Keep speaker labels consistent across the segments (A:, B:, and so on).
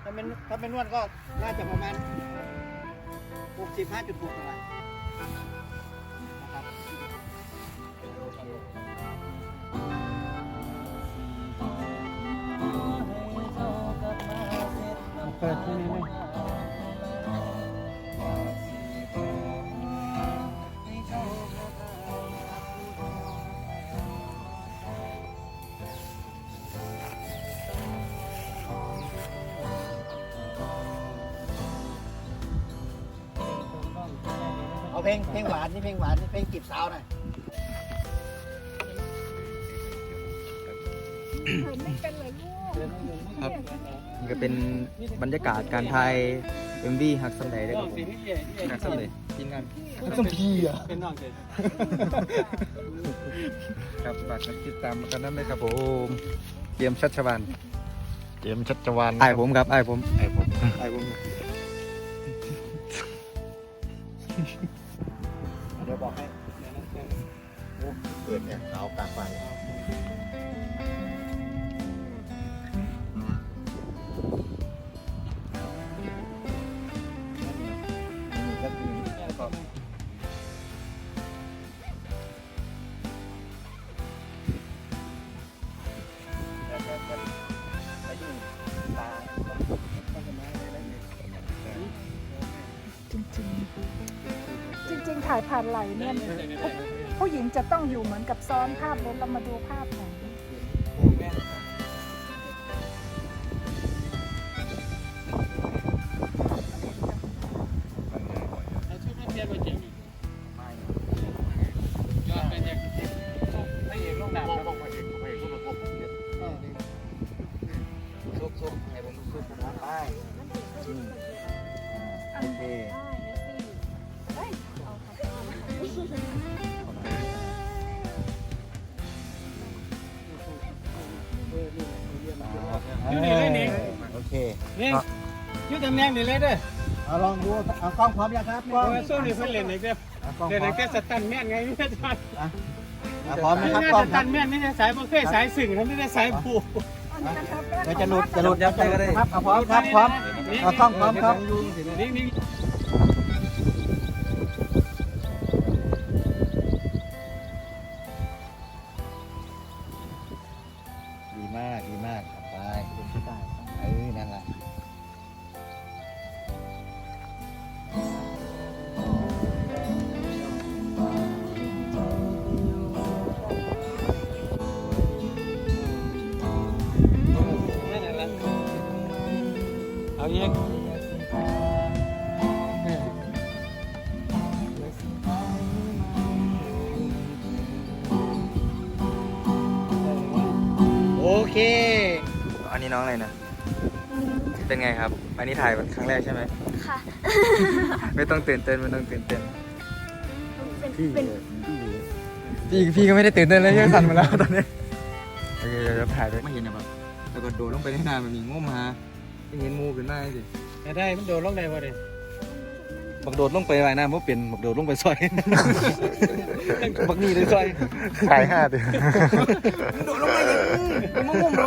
A: ถ้าเป็นนวดก็น่าจะประมาณ65.6ประมาณนะครับเปิดที่นี่เลยเอาเพลงหวานนี่เพลงหวานนี่เพลงจีบสาวหน่อย
B: ไม่เป็นเลยลูก
C: ครับนี่ก็เป็นบรรยากาศการถ่าย MV ฮักซัมไดได้ครับผมฮักซัมไดทีมงานฮักซัมพีอ่ะเป็นน้องเจครับฝากติดตามกันนั้นเลยครับผมเตรียมชัชวานไอ้ผมครับไอ้ผม
A: เดี๋ยวบอกให้เปิดเนี่ยขาวกลางไฟ
B: จริงถ่ายผ่านไหลเนี่ยผู้หญิงจะต้องอยู่เหมือนกับซ้อนภาพเลยเรามาดูภาพไหน
A: โอเคโอเค
D: นี่ยืดตำแหน่งนี่เลยเด้อ
A: เอาลองดูเอากล้องพร้อมยังครับกล้อง
D: โซ่นี่เพิ่นเล่นอีกเด้อเล่นอีกแต่สตันแม่นไงไม่ใช่สตัน
A: พร้อมนะครับกล้อง
D: สตันแม่นไม่ใช่สายบ่เคยสายสึ่งทำไม่ได้สายผูก
A: เดี๋ยวจะหลุดยับไปก็ได้ครับพร้อมครับพร้อมเอากล้องพร้อมครับ
D: นี่
A: ดีมากไปนั่นแหละ
D: เอาอีก
A: โอเค
C: อันนี้น้องอะไรนะเป็นไงครับอันนี้ถ่ายครั้งแรกใช่ไหม
E: ค่ะ
C: ไม่ต้องตื่นเต้นไม่ต้องตื่นเต้น
E: เป็น
C: พี่ก็ไม่ได้ตื่นเต้นเลยยังสั่นมาแล้วตอนนี้โอเคจะถ่ายไปไม่เห็นนะแบบแล้วก็โดดลงไปในน้ำมันมีงูมาไม่เห็นงูขึ้นมาสิ
D: ได้มันโดนลงได้บ่เด้
C: บักโดดลงไปว่ายน้ำเพราะเป็นบักโดดลงไปซอยบักนี่เลยซอยขาย5 ดิโดดลงไปเลยมันงงไหม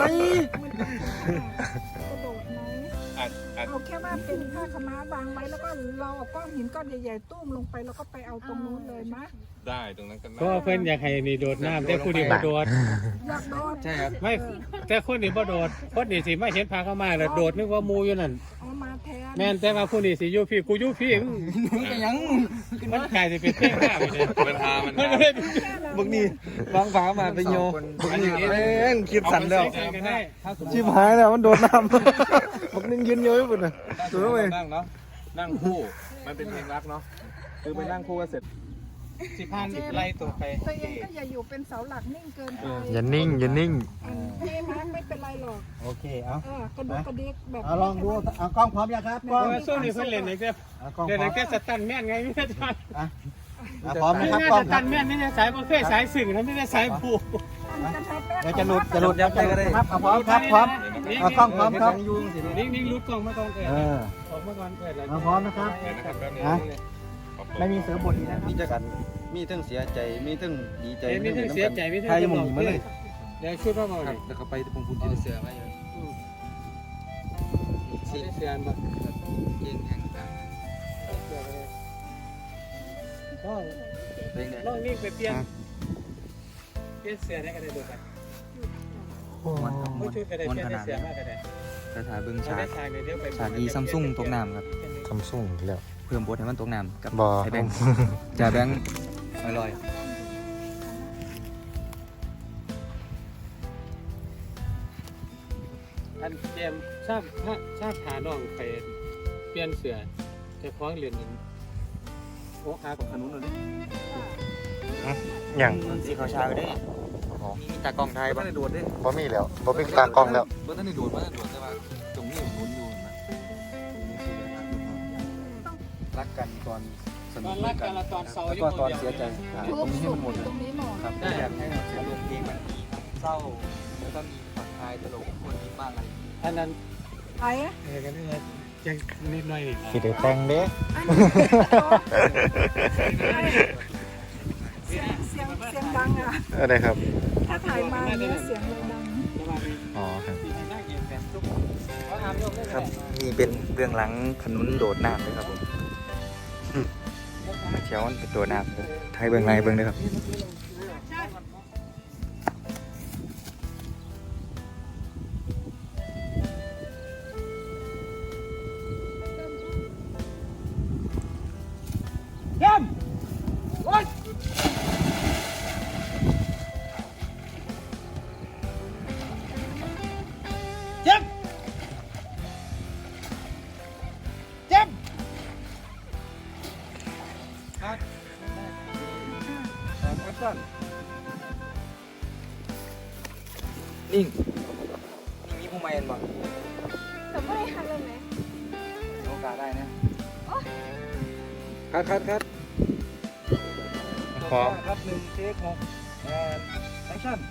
B: กระโดดไหมเอาแค่ว่าเป็นผ้าขม้าวางไว้แล้วก็เราเอาก้อนหินก้อนใหญ่ๆตุ้มลงไปแล้วก็ไปเอาตรงนู้นเลยมะ
F: ได้ตรงนั้นก็
D: เพราะเพิ่นอยากให้นี่โดดน้ำแต่ผู้นี้บ่โดด
B: อยากโดด
C: ใช่ครับ
D: ไม่แต่คนนี้บ่โดดคนนี้สิมาเห็นพาเข้ามาแล้วโดดนึกว่ามูอยู่นั่น
B: เอามาแทน
D: แม่นแต่ว่าผู้นี้สิอยู่พี่กูอยู่พี่
C: เป็นยัง
D: มันกลายสิเป็นเท่ข้าไปเลย
F: มันหามัน
D: มัน
F: หา
D: เลย
C: บักนี่วางฝามาไปโยบักนี่แม่งคลิปสั่นแล้ว
D: กันได้
C: ชิบหายแล้วมันโดดน้ำบักนึงยืนเยอะอยู่ปุ่นน่ะตัวเว้ย
F: นั่งเนาะนั่งคู่มันเป็นเพลงรักเนาะคือไปนั่งคู่กันเสร็จ
D: สิพานไล่ตัวไป
B: ตัวเองก็อย่าอยู่เป็นเสาหลักนิ่งเกินไป
C: อย่านิ่ง
B: นี่นะไม่เป็นไรหรอก
A: โอเคเอา
B: กระดุกกระดิกแบบ
A: เอาลองดูเอากล้องพร้อมยังครับกล้อง
D: โซ่นี่เพิ่นเล่นอีกเด้อ
A: เอากล้อง
D: เล่น
A: พร้
D: อี
A: อม
D: กแต่สตันแม่นไงไม่ใช่สตัน
A: พร้อมนะครับ
D: นี่
A: กล้อง
D: ส
A: ค
D: ตั
A: รับ
D: นแม่นไม่ใช่สายบ่เคยสายสึ่งทำไม่ได้สายผูก
A: เดี๋ยวจะหลุดยับไปก็ได้ครับพร้อมครับพร้อมเอากล้องพร้อมครับ
D: นิ่งๆรุดกล้องมาก่อนเกิด
A: เออ
D: ออกมาก่อนเกิดแล้ว
A: เอาพร้อมนะครับ
F: นะครับแป๊บนึง
A: ไม่มีเสือบทอีกนะครับ
C: มีจักรมีทั้งเสียใจมีทั้งดีใจ
D: มีทั้งเสียใจมีทั้ง
C: ใครมองมาเลย
D: เดี๋ยวชุดมาบอก
C: ครับแล้วก็ไปตรงคุณที่เสือมาอยู่
D: ส
C: สิ
D: เสียนบ่
C: เก่งแห่งต่าง
D: เสียนเลยน้อง
C: เป็นไง
D: น้องนี่ไปเปลี่ยนเสียได้กันได้ดูกัน
C: มวนครับม
D: ไม่
C: วน
D: ช่วยกันได้
C: มวน
D: เปลี่ย
C: ข
D: น
C: นาด
D: เสีย
C: นี้
D: มากกันได้
C: สถาเบิ่ง
D: ฉา
C: ฉาก
D: กเดี๋ยวไป
C: ฉากดีซัมซุงตกน้ำครับ
A: ซัมซุงแล้ว
C: เพิ่มบทให้มันตกน้ำกับ
A: บ่
C: ไอ้แบงค์จ่าแบงค์ลอย
D: อันเกมชาติหาน้องไปเปลี่ยนเสือแต่คล้องเหรียญโอ้อาของขนุนเลย
A: อย่าง
C: ๆสีขาวชาก็ได้มีตากล้องไทย
F: ไม่
C: บ้าง
F: ได้โดดดิ
A: บ่มีแล้วบ่มีตากล้องแล้ว
F: บ่ได้โดดแต่ว่าตรงนี้หมุนอยู่นะ
C: รักกันตอนส
D: ต
C: นุ
D: อก นรัก
C: กั
D: กัน นละตอนเศร้า
C: แล้วก็ตอนเสียใจ
B: ทุกสุขตรงนี้หมด
C: ครับอยากให้อารมณ์เพลงมันมีทั้งเศร้าแล้วก็มีผ่อนคลายตลกคนยิ้มบ้างอะไร
D: อันนั้น
B: ไอ้
D: กันนี่ยังนิดหน่อยนี่
A: สิได้แต่งเด้
B: อันนี้เสียงดังอ่ะ
A: อะไรครับ
B: ถ้าถ่ายมาเนี่ยเสียงเลยดัง
A: อ๋อครับ
C: ครับนี่เป็นเบื้องหลังขนุนโดดน้ำเลยครับผมเชียวมันเป็นตัวน้ำเลยไทยเบื้องในเบื้องเลยครับนิ่งนี่มีผู้ใหม่เห็นบ่
E: แต่ไม่ได้ทำเลยไหม
C: มีโอกาสได้นะ
F: คัด
A: พร้อม
C: ครับหนึ่งเทคหกแอคชั่น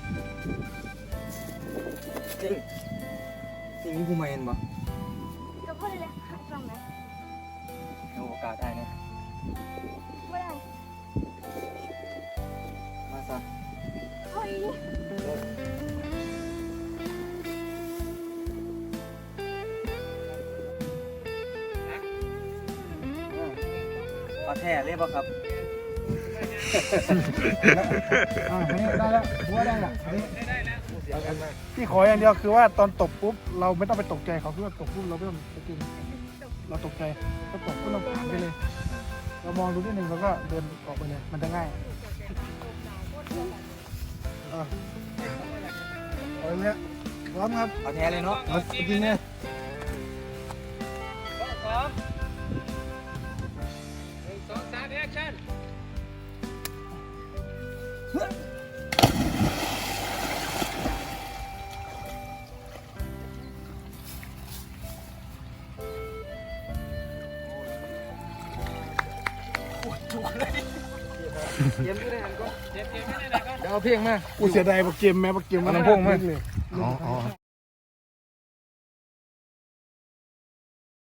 C: นิ่งนี่มีผู้ใหม่เห็นบ่
E: ก็พูดเลยทำไหม
C: มีโอกาสได้นะ
E: ไม่ได้
C: มาซะ
E: เฮ้ย
C: ขอแท้เลยป่ะครับ
B: ได้แล้วหัวได้แล้วที่ขออย่างเดียวคือว่าตอนตบปุ๊บเราไม่ต้องไปตกใจเขาคือว่าตบปุ๊บเราไม่ต้องไปกินเราตกใจก็ตบปุ๊บเราผ่านไปเลย เรามองดูนิดนึงแล้วก็เดินออกไปเลยมันจะง่ายเอาเลยเนี่ยพร้อมครับ
C: ขอแท้เลยเนาะ
B: เอาจริงเนี่ย
D: พร้อม1 2 3แอคชั่น
C: เย็นไม่ได้หันก่อน
D: เจ็บไม่ได้ไหนก็
C: เดี๋ยวเอาเพลงมา
B: กูเสียดายบักเกมแม่บักเกม
C: เอาลำโพงมา
B: เลย
A: อ๋อ